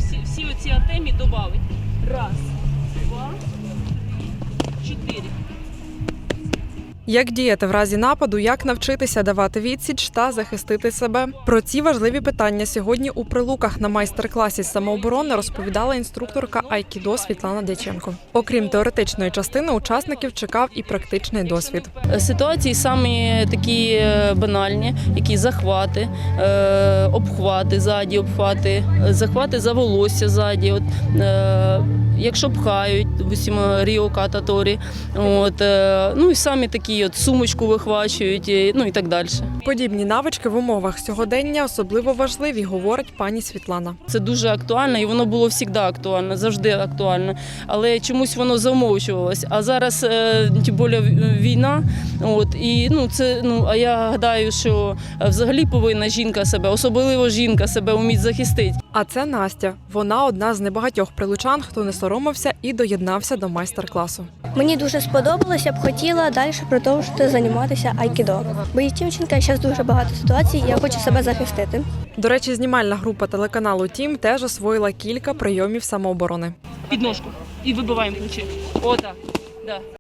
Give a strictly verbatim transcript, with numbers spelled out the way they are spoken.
всі, всі оці атемі додати. Раз, два, три, чотири. Як діяти в разі нападу, як навчитися давати відсіч та захистити себе? Про ці важливі питання сьогодні у Прилуках на майстер-класі з самооборони розповідала інструкторка айкідо Світлана Дяченко. Окрім теоретичної частини, учасників чекав і практичний досвід. Ситуації самі такі банальні, які захвати, е, обхвати ззаді, обхвати, захвати за волосся ззаді. От, е, якщо пхають, допустимо, Ріо Кататорі, от, е, ну і самі такі от сумочку вихвачують, і, ну і так далі. Подібні навички в умовах сьогодення особливо важливі, говорить пані Світлана. Це дуже актуально, і воно було завжди актуально, завжди актуально. Але чомусь воно замовчувалось. А зараз, е, тим більше, війна, от, і, ну, це, ну, а я гадаю, що взагалі повинна жінка себе, особливо жінка себе вміти захистити. А це Настя. Вона одна з небагатьох прилучан, хто не соромився і доєднався до майстер-класу. Мені дуже сподобалося, я б хотіла далі продовжити займатися айкідо. Бо є дівчинка, зараз дуже багато ситуацій, і я хочу себе захистити. До речі, знімальна група телеканалу «Тім» теж освоїла кілька прийомів самооборони. Підножку і вибиваємо ключі. Отак. Да.